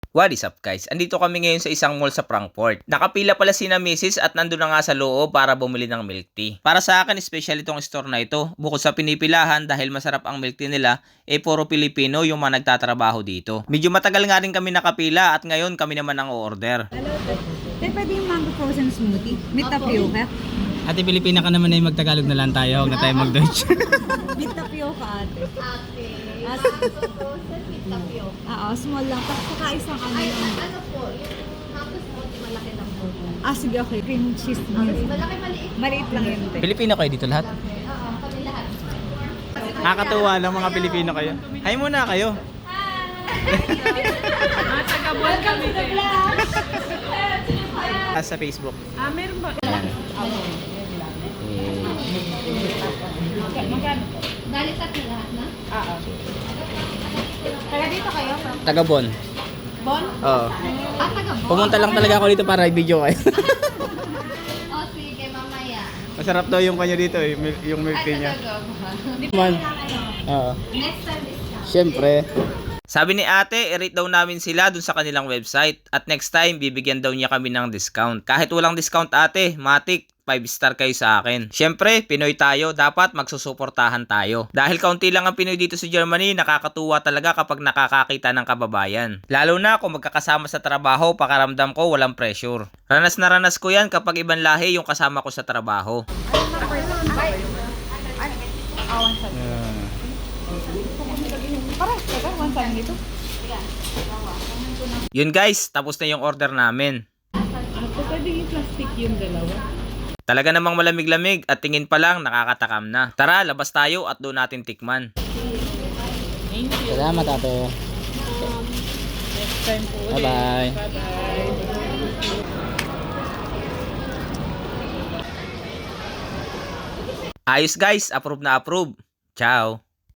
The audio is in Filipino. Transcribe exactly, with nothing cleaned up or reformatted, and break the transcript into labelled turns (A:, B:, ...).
A: What is up guys? Andito kami ngayon sa isang mall sa Frankfurt. Nakapila pala si na Missus at nandun na nga sa loob para bumili ng milk tea. Para sa akin, special itong store na ito. Bukod sa pinipilahan dahil masarap ang milk tea nila, eh puro Pilipino yung mga nagtatrabaho dito. Medyo matagal nga rin kami nakapila at ngayon kami naman ang o-order.
B: Hello, Te, pwede yung mango frozen smoothie? May tapioca?
C: Ate Pilipina ka naman ay magtagalog na lang tayo, huwag na tayo mag-Dutch.
B: May tapioca, ate.
D: Ate,
B: As-
D: mango frozen with tapioca.
B: Oo, small lang. Tapos saka isang ano
D: Ay,
B: lang.
D: ano po, yung mango smoothie malaki lang po.
B: Ah, sige, okay. Cream cheese smoothie.
D: Malaki maliit.
B: Maliit lang yun, te.
C: Pilipino kayo dito lahat?
D: Oo, kami lahat.
C: Nakakatuwa lang mga Pilipino kayo. Hi muna kayo. Ah, sa Facebook.
B: Ah, meron ba?
D: Dalitat na lahat na?
B: Oo. Kaya dito kayo?
C: Taga Bon.
D: Bon?
C: Oo.
D: Ah, taga Bon?
C: Pumunta lang talaga ako dito para i-video kayo.
D: Oh, sige, mamaya.
C: Masarap daw yung kanya dito, eh, mil- yung milk
D: Ay,
C: tea niya.
D: taga Bon.
C: Man. Oo.
D: Next time discount.
C: Siyempre.
A: Sabi ni ate, i-rate daw namin sila dun sa kanilang website at next time bibigyan daw niya kami ng discount. Kahit walang discount ate, matik, five star kayo sa akin. Siyempre, Pinoy tayo, dapat magsusuportahan tayo. Dahil kaunti lang ang Pinoy dito sa Germany, nakakatuwa talaga kapag nakakakita ng kababayan. Lalo na kung magkakasama sa trabaho, pakaramdam ko walang pressure. Ranas na ranas ko yan kapag ibang lahi yung kasama ko sa trabaho.
C: Yeah.
B: Para, teka, one time dito.
A: Yun guys, tapos na yung order namin.
B: Ate, pwede yung plastic yung dalawa?
A: Talaga namang malamig-lamig at tingin pa lang nakakatakam na. Tara, labas tayo at doon natin tikman.
C: Salamat ate.
B: Next time po ulit.
C: Bye-bye.
B: Bye-bye.
A: Ayos guys, approve na approve. Ciao!